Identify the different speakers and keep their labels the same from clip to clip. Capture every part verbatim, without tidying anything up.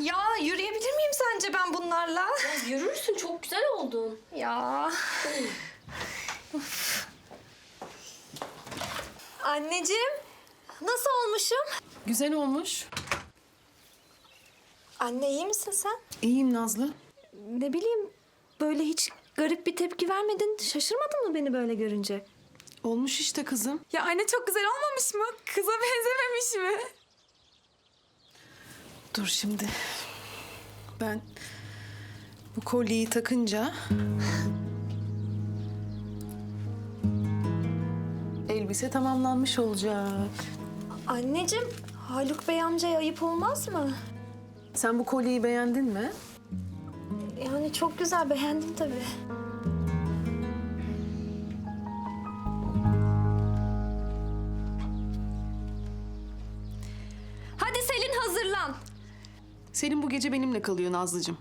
Speaker 1: Ya yürüyebilir miyim sence ben bunlarla?
Speaker 2: Ya yürürsün, çok güzel oldun.
Speaker 1: Ya. Of. Anneciğim, nasıl olmuşum?
Speaker 3: Güzel olmuş.
Speaker 1: Anne iyi misin sen?
Speaker 3: İyiyim Nazlı.
Speaker 1: Ne bileyim, böyle hiç garip bir tepki vermedin. Şaşırmadın mı beni böyle görünce?
Speaker 3: Olmuş işte kızım.
Speaker 4: Ya anne çok güzel olmamış mı? Kıza benzememiş mi?
Speaker 3: Dur şimdi. Ben bu kolyeyi takınca... elbise tamamlanmış olacak.
Speaker 1: Anneciğim, Haluk Bey amcaya ayıp olmaz mı?
Speaker 3: Sen bu kolyeyi beğendin mi?
Speaker 1: Yani çok güzel, beğendim tabii. Hadi Selin, hazırlan.
Speaker 3: Selin bu gece benimle kalıyor Nazlıcığım.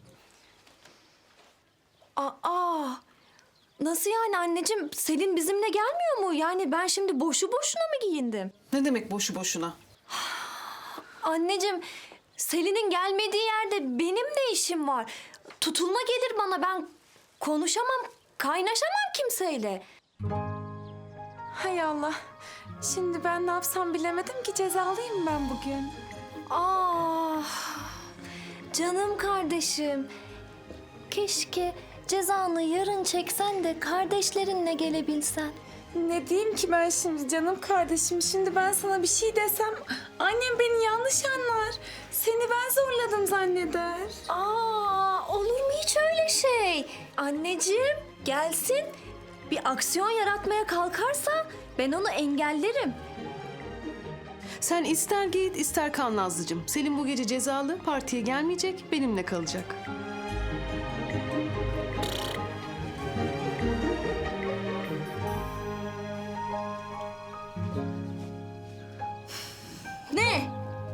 Speaker 1: Aa, nasıl yani anneciğim? Selin bizimle gelmiyor mu? Yani ben şimdi boşu boşuna mı giyindim?
Speaker 3: Ne demek boşu boşuna?
Speaker 1: Anneciğim, Selin'in gelmediği yerde benim ne işim var? Tutulma gelir bana, ben konuşamam, kaynaşamam kimseyle.
Speaker 4: Hay Allah. Şimdi ben ne yapsam bilemedim ki, cezalıyım ben bugün.
Speaker 1: Ah, canım kardeşim. Keşke cezanı yarın çeksen de kardeşlerinle gelebilsen.
Speaker 4: Ne diyeyim ki ben şimdi canım kardeşim? Şimdi ben sana bir şey desem annem beni yanlış anlar. Seni ben zorladım zanneder.
Speaker 1: Aa, olur mu hiç öyle şey? Anneciğim, gelsin. Bir aksiyon yaratmaya kalkarsa ben onu engellerim.
Speaker 3: Sen ister git ister kal Nazlıcığım. Selin bu gece cezalı, partiye gelmeyecek, benimle kalacak.
Speaker 1: Ne?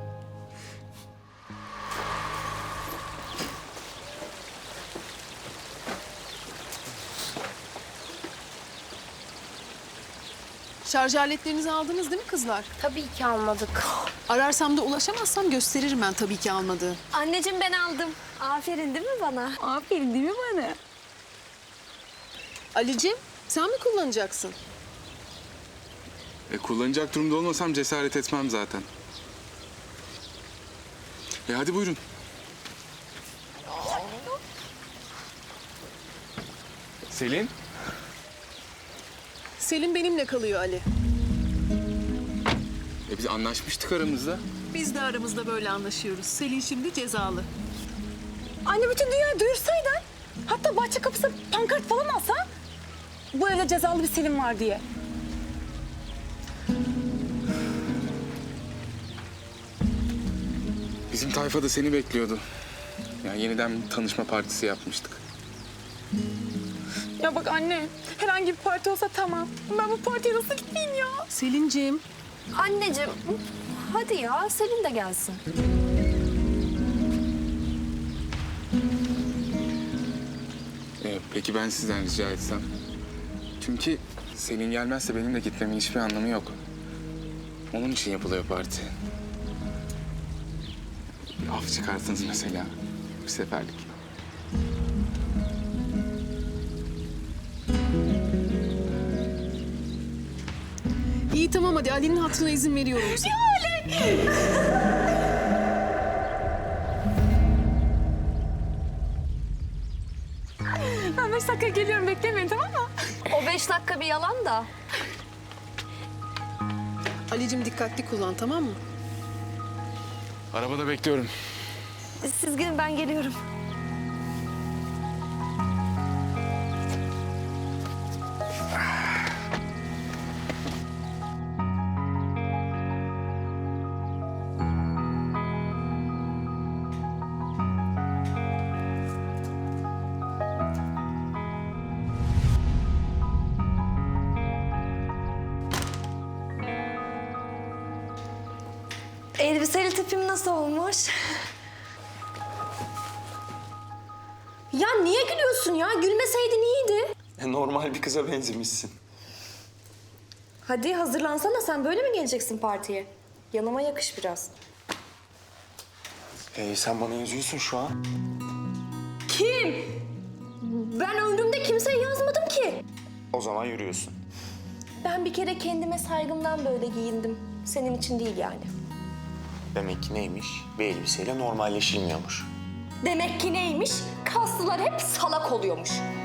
Speaker 3: Şarj aletlerinizi aldınız değil mi kızlar?
Speaker 2: Tabii ki almadık.
Speaker 3: Ararsam da ulaşamazsam gösteririm ben tabii ki almadığı.
Speaker 1: Anneciğim, ben aldım. Aferin değil mi bana?
Speaker 4: Aferin değil mi bana?
Speaker 3: Ali'cim sen mi kullanacaksın?
Speaker 5: E, kullanacak durumda olmasam cesaret etmem zaten. E hadi buyurun. Selin?
Speaker 3: Selin benimle kalıyor Ali.
Speaker 5: E biz anlaşmıştık aramızda.
Speaker 3: Biz de aramızda böyle anlaşıyoruz. Selin şimdi cezalı.
Speaker 4: Anne bütün dünyayı duyursaydın. Hatta bahçe kapısı pankart falan alsa. Bu evde cezalı bir Selim var diye.
Speaker 5: Bizim tayfa da seni bekliyordu. Yani yeniden bir tanışma partisi yapmıştık.
Speaker 4: Ya bak anne, herhangi bir parti olsa tamam. Ben bu partiye nasıl gitmeyeyim ya?
Speaker 3: Selin'ciğim.
Speaker 1: Anneciğim, hadi ya, Selin de gelsin.
Speaker 5: E, peki ben sizden rica etsem? Çünkü Selin gelmezse benim de gitmemin hiçbir anlamı yok. Onun için yapılıyor parti. Bir af çıkartınız mesela. Bir seferlik.
Speaker 3: İyi tamam hadi Ali'nin hatırına izin veriyorum.
Speaker 4: Ben beş dakika geliyorum, beklemeyin tamam mı?
Speaker 1: O beş dakika bir yalan da.
Speaker 3: Ali'cim dikkatli kullan tamam mı?
Speaker 5: Arabada bekliyorum.
Speaker 1: Siz gidin, ben geliyorum. Elbiseli tipim nasıl olmuş? Ya niye gülüyorsun ya? Gülmeseydin iyiydi.
Speaker 6: Normal bir kıza benzemişsin.
Speaker 1: Hadi hazırlansana, sen böyle mi geleceksin partiye? Yanıma yakış biraz.
Speaker 6: Ee, sen bana yazıyorsun şu an.
Speaker 1: Kim? Ben ömrümde kimseye yazmadım ki.
Speaker 6: O zaman yürüyorsun.
Speaker 1: Ben bir kere kendime saygımdan böyle giyindim. Senin için değil yani.
Speaker 6: Demek ki neymiş? Bir elbiseyle normalleşilmiyormuş.
Speaker 1: Demek ki neymiş? Kaslılar hep salak oluyormuş.